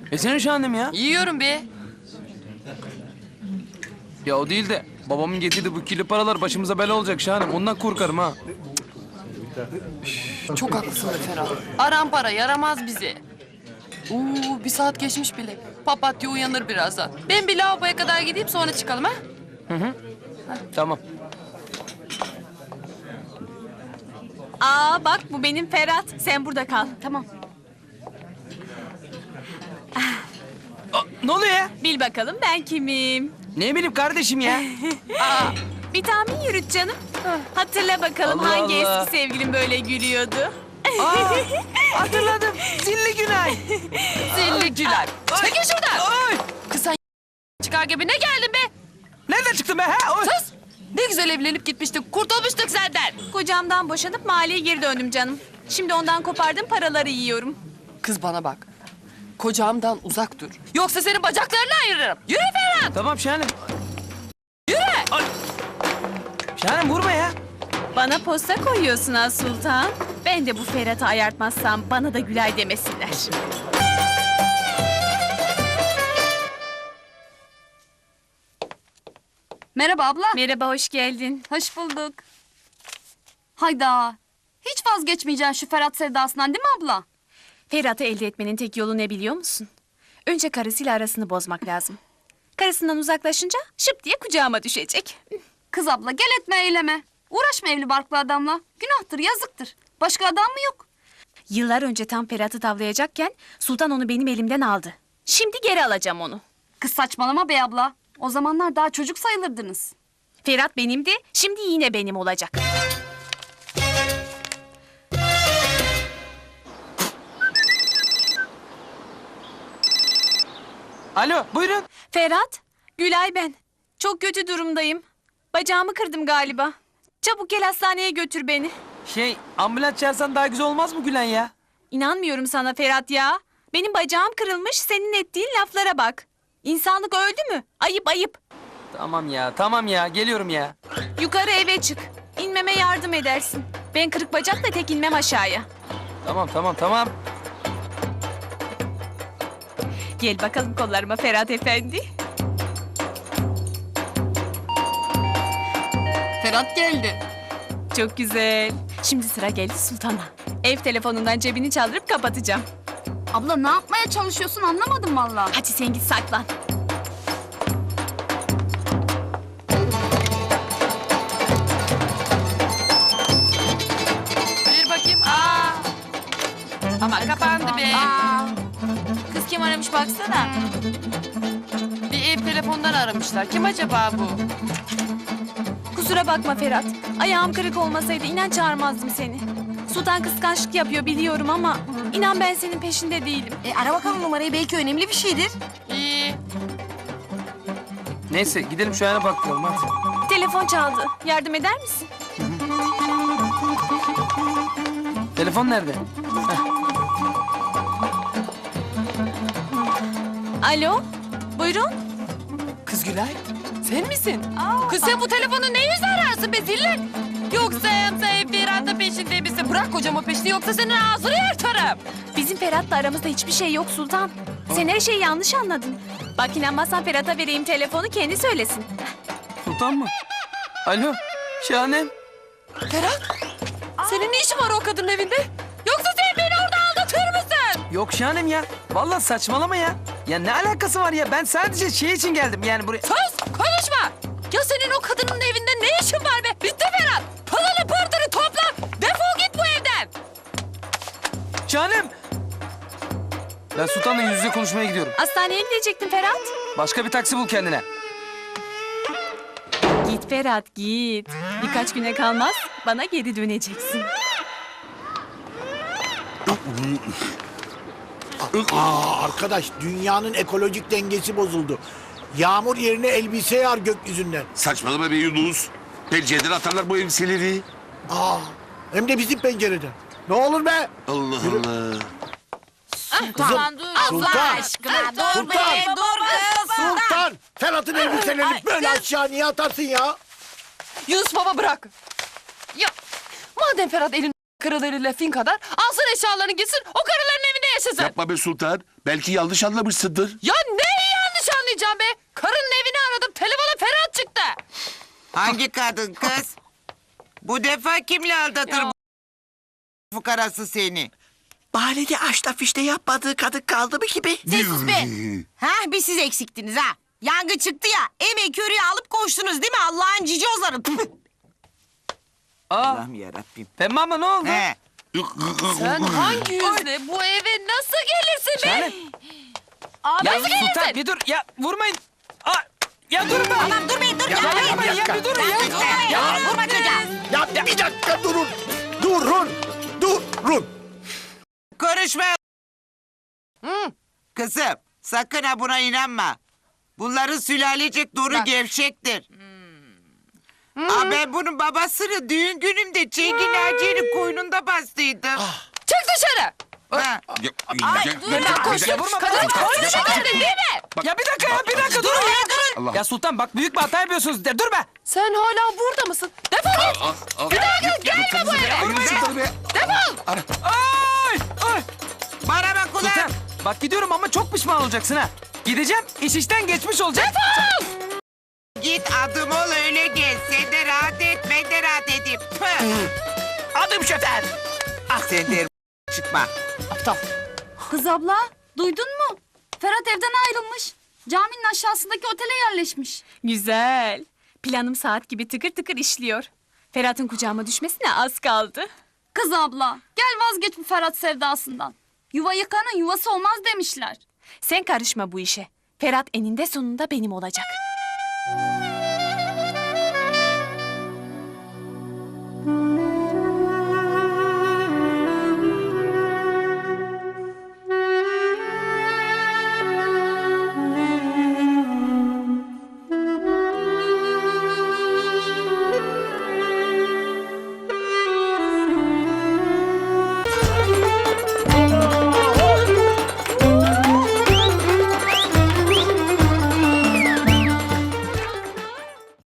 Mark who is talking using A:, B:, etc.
A: Yesene Şahanem ya.
B: Yiyorum be.
A: Ya o değil de babamın getirdiği bu kirli paralar başımıza bela olacak Şahanem. Ondan korkarım ha.
B: Çok haklısın be Ferhat. Aram para yaramaz bize. Bir saat geçmiş bile. Papatya uyanır birazdan. Ben bir lavaboya kadar gideyim sonra çıkalım ha.
A: Tamam.
C: Aa bak bu benim Ferhat. Sen burada kal. Tamam.
A: Ne oluyor ya?
C: Bil bakalım ben kimim?
A: Ne bileyim kardeşim ya.
C: Bir tahmin yürüt canım. Hatırla bakalım
A: Allah
C: hangi
A: Allah.
C: eski sevgilim böyle gülüyordu?
A: Hatırladım. Zilli Günay.
B: Zilli Gülay. Çekil şuradan.
A: Ay.
B: Kız sen çıkar gibi ne geldin be?
A: Nereden çıktın be ha? Oy.
B: Sus. Ne güzel evlenip gitmiştik. Kurtulmuştuk senden.
C: Kocamdan boşanıp mahalleye geri döndüm canım. Şimdi ondan kopardığım paraları yiyorum.
B: Kız bana bak. Kocamdan uzak dur. Yoksa senin bacaklarını ayırırım. Yürü Ferhat.
A: Tamam Şahanem.
B: Yürü.
A: Şahanem vurma ya.
C: Bana posta koyuyorsun ha Sultan. Ben de bu Ferhat'ı ayartmazsam bana da Gülay demesinler.
D: Merhaba abla.
C: Merhaba, hoş geldin.
D: Hoş bulduk. Hayda. Hiç vazgeçmeyeceksin şu Ferhat sevdasından değil mi abla?
C: Ferhat'ı elde etmenin tek yolu ne biliyor musun? Önce karısıyla arasını bozmak lazım. Karısından uzaklaşınca şıp diye kucağıma düşecek.
D: Kız abla gel etme eyleme. Uğraşma evli barklı adamla. Günahtır, yazıktır. Başka adam mı yok?
C: Yıllar önce tam Ferhat'ı tavlayacakken Sultan onu benim elimden aldı. Şimdi geri alacağım onu.
D: Kız saçmalama bey abla. O zamanlar daha çocuk sayılırdınız.
C: Ferhat benimdi, şimdi yine benim olacak.
A: Alo buyurun.
C: Ferhat, Gülay ben. Çok kötü durumdayım. Bacağımı kırdım galiba. Çabuk gel hastaneye götür beni.
A: Ambulans çağırsan daha güzel olmaz mı Gülen ya?
C: İnanmıyorum sana Ferhat ya. Benim bacağım kırılmış, senin ettiğin laflara bak. İnsanlık öldü mü? Ayıp ayıp.
A: Tamam ya geliyorum ya.
C: Yukarı eve çık. İnmeme yardım edersin. Ben kırık bacakla tek inmem aşağıya.
A: Tamam.
C: Gel bakalım kollarıma Ferhat Efendi.
B: Ferhat geldi.
C: Çok güzel. Şimdi sıra geldi Sultan'a. Ev telefonundan cebini çaldırıp kapatacağım.
D: Abla ne yapmaya çalışıyorsun anlamadım vallahi.
C: Hadi sen git saklan.
B: Bir bakayım. Ama kapandı be.
C: Kız kim aramış baksana.
B: Bir ev telefondan aramışlar. Kim acaba bu?
C: Kusura bakma Ferhat. Ayağım kırık olmasaydı inan çağırmazdım seni. Sultan kıskançlık yapıyor biliyorum ama inan ben senin peşinde değilim.
D: Ara bakalım numarayı, belki önemli bir şeydir.
B: İyi.
A: Neyse gidelim şu yana bakalım hadi.
C: Telefon çaldı. Yardım eder misin?
A: Telefon nerede?
C: Alo, buyurun.
B: Kız Gülay, sen misin? Kız sen bu telefonu ne yüzle ararsın be zillet? Yoksa sen Ferhat'ın peşinde misin? Bırak kocamın peşini yoksa senin ağzını yırtarım.
C: Bizim Ferhat'la aramızda hiçbir şey yok Sultan. Sen her şeyi yanlış anladın. Bak inanmazsan Ferhat'a vereyim telefonu kendi söylesin.
A: Sultan mı? Alo Şahanem.
B: Ferhat, senin ne işin var o kadının evinde? Yoksa sen beni orada aldatır mısın?
A: Yok Şahanem ya. Vallahi saçmalama ya. Ya ne alakası var ya? Ben sadece şey için geldim yani buraya.
B: Sus, konuşma. Ya senin o kadının evinde ne işin var be? Bitti Ferhat. Pılını pırtını topla. Defol git bu evden.
A: Şahanem. Ben Sultan'la yüz yüze konuşmaya gidiyorum.
C: Hastaneye gidecektin Ferhat.
A: Başka bir taksi bul kendine.
C: Git Ferhat git. Birkaç güne kalmaz bana geri döneceksin.
E: Arkadaş dünyanın ekolojik dengesi bozuldu. Yağmur yerine elbise yağar gökyüzünden.
F: Saçmalama be Yunus. Pencereden atarlar bu elbiseleri.
E: Hem de bizim pencereden. Ne olur be?
F: Allah Allah.
E: Kızım, Sultan.
C: aşkına
E: Sultan.
C: dur kız.
E: Sultan. Ferhat'ın elbiselerini böyle aşağı niye atarsın ya?
B: Yunus baba bırak. Ya madem Ferhat elin kırılır lafin kadar alsın eşyalarını gitsin o karıların evinde yaşasın.
F: Yapma be Sultan. Belki yanlış anlamışsındır.
B: Ya neyi yanlış anlayacağım be? Karının evini aradım. Telefona Ferhat çıktı.
G: Hangi kadın kız? Bu defa kimle aldatır bu fukarası seni?
H: Mahallede aşla fişte yapmadığı kadın kaldı mı gibi?
I: Sessiz be. Ha bir siz eksiktiniz ha. Yangın çıktı ya. Emeği körüye alıp koştunuz değil mi Allah'ın cici ozları?
A: Aa,
G: Allah'ım yarabbim.
A: Pembe abla ne oldu?
G: He.
B: Sen hangi yüzle bu eve nasıl gelirsin be?
A: Şahane.
B: Abi
A: Ya
B: nasıl
A: Sultan
B: gelirsin?
A: bir dur ya vurmayın. Aa, ya durun be.
I: Tamam durmayın dur.
A: Ya vurmayın ya bir durun ya.
I: Ya vurma çocuğa.
E: Ya bir dakika durun. Durun. Durun.
G: Konuşma. Kızım sakın ha buna inanma. Bunların sülalecek doğru gevşektir. Ben bunun babasını düğün günümde Çengin Naciye'nin koynunda bastıydım.
B: Çık dışarı.
G: Ha.
B: Hemen koş.
A: Ya vurma.
B: Kadın koynuna girdin değil mi?
A: Ya bir dakika durun ya. Ya Sultan bak büyük bir hata yapıyorsunuz. Dur be.
B: Sen hala burada mısın? Defol git. Bir daha gelme bu eve. Defol.
A: Ay! Ay!
G: Bana bak ulan.
A: Sultan bak gidiyorum ama çok pişman olacaksın ha. Gideceğim iş işten geçmiş olacak.
G: Git adım ol öyle gel. Sen de rahat et ben de rahat edeyim.
H: Adım şoför.
G: Ah sen de çıkma.
D: Kız abla duydun mu? Ferhat evden ayrılmış. Caminin aşağısındaki otele yerleşmiş.
C: Güzel. Planım saat gibi tıkır tıkır işliyor. Ferhat'ın kucağıma düşmesine az kaldı.
D: Kız abla gel vazgeç bu Ferhat sevdasından. Yuva yıkanın yuvası olmaz demişler.
C: Sen karışma bu işe. Ferhat eninde sonunda benim olacak.